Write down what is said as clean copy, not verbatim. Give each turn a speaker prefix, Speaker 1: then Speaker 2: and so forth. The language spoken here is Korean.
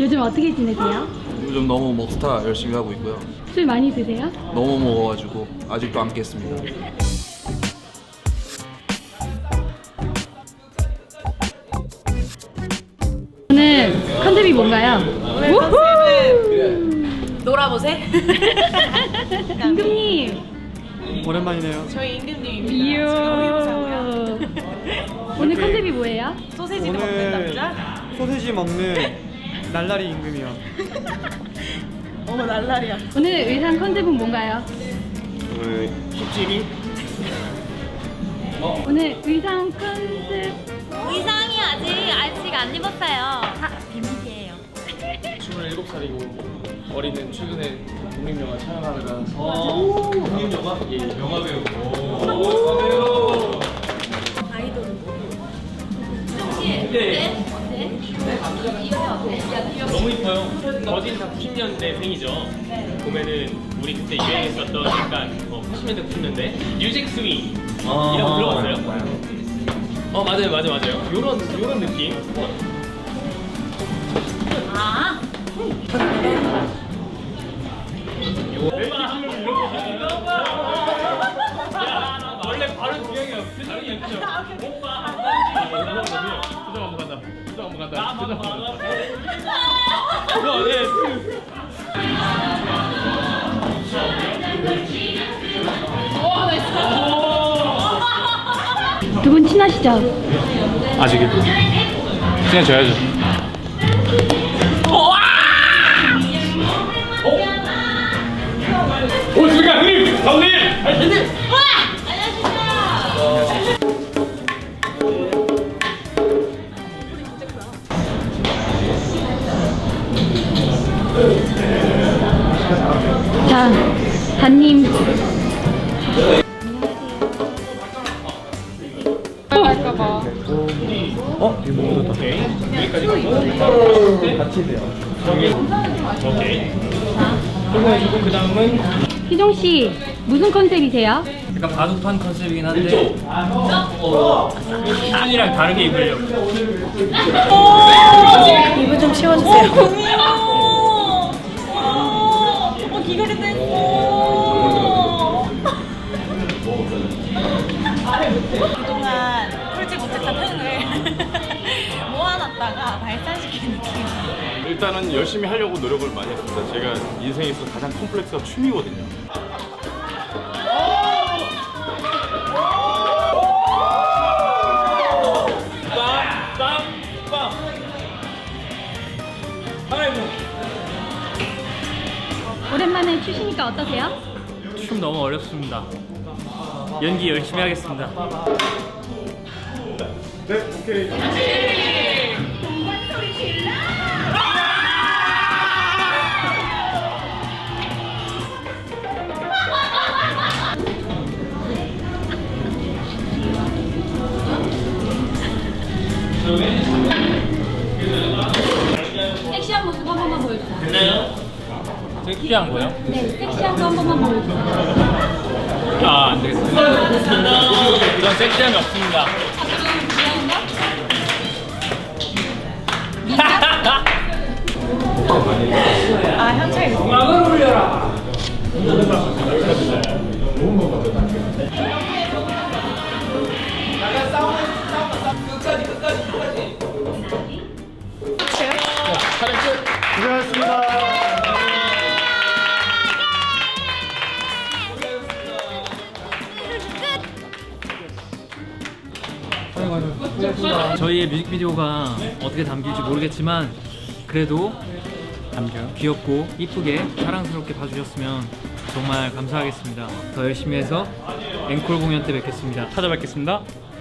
Speaker 1: 요즘 어떻게 지내세요?
Speaker 2: 요즘 너무 먹스타 열심히 하고 있고요.
Speaker 1: 술 많이 드세요?
Speaker 2: 너무 먹어가지고 아직도 안 깼습니다.
Speaker 1: 오늘 컨셉이 뭔가요?
Speaker 3: 오늘 컨셉은 놀아보세.
Speaker 1: 임금님.
Speaker 4: 오랜만이네요.
Speaker 3: 저희 임금님입니다.
Speaker 1: 이요.
Speaker 3: 저희
Speaker 1: 오늘 컨셉이 뭐예요?
Speaker 3: 소세지를 먹는 남자.
Speaker 4: 소세지 먹는 날라리 임금이요.
Speaker 3: 어머 날라리야.
Speaker 1: 오늘 의상 컨셉은 뭔가요?
Speaker 4: 오늘 힙질이
Speaker 1: 오늘 의상 컨셉
Speaker 5: 의상이 아직 안 입었어요. 비밀이에요.
Speaker 6: 27살이고 어리는 최근에 독립영화 촬영하느라 독립영화? 예, 영화배우.
Speaker 7: 너무 이뻐요. 거진 다 90년대생이죠. 보면은 우리 그때 유행했었던 약간 80년대 90년대 뮤직 스윙 이런 거 들어봤어요? 맞아요. 요런 느낌.
Speaker 5: 아,
Speaker 7: 원래 바로 주영이야. 표정이 예쁘죠? 오빠 표정 한번 간다. 표정 한번 간다. 표정 한번 간다.
Speaker 1: 두 분 친하시죠?
Speaker 6: 아직은 친해져야죠. 오, 수가 형님! 형님!
Speaker 1: 자, 단님.
Speaker 7: 오케이. 여기까지 같이 돼요. 오케이. 그리고 그 다음은
Speaker 1: 희종 씨, 무슨 컨셉이세요?
Speaker 8: 약간 바둑판 컨셉이긴 한데 시즌이랑 다르게 입으려고.
Speaker 3: 입을 좀 치워주세요.
Speaker 5: 귀걸이도 했어.
Speaker 3: 그동안 풀지 못했던 흥을 모아놨다가 발산시킨 느낌.
Speaker 6: 일단은 열심히 하려고 노력을 많이 했습니다. 제가 인생에서 가장 콤플렉스가 춤이거든요.
Speaker 1: 오랜만에 추시니까 어떠세요?
Speaker 8: 춤 너무 어렵습니다. 연기 열심히 하겠습니다.
Speaker 6: 네, 오케이.
Speaker 1: 섹시한 모습 한 번만 보여주세요.
Speaker 7: 됐나요?
Speaker 8: 섹시한 거요?
Speaker 1: 네, 섹시한 거 한 번만 보여주세요.
Speaker 8: 안 되겠습니다. 이런 섹시함이 없습니다.
Speaker 3: 아 현철이.
Speaker 4: 고생하셨습니다.
Speaker 8: 저희의 뮤직비디오가 어떻게 담길지 모르겠지만 그래도 귀엽고 이쁘게 사랑스럽게 봐주셨으면 정말 감사하겠습니다. 더 열심히 해서 앵콜 공연 때 뵙겠습니다. 찾아뵙겠습니다.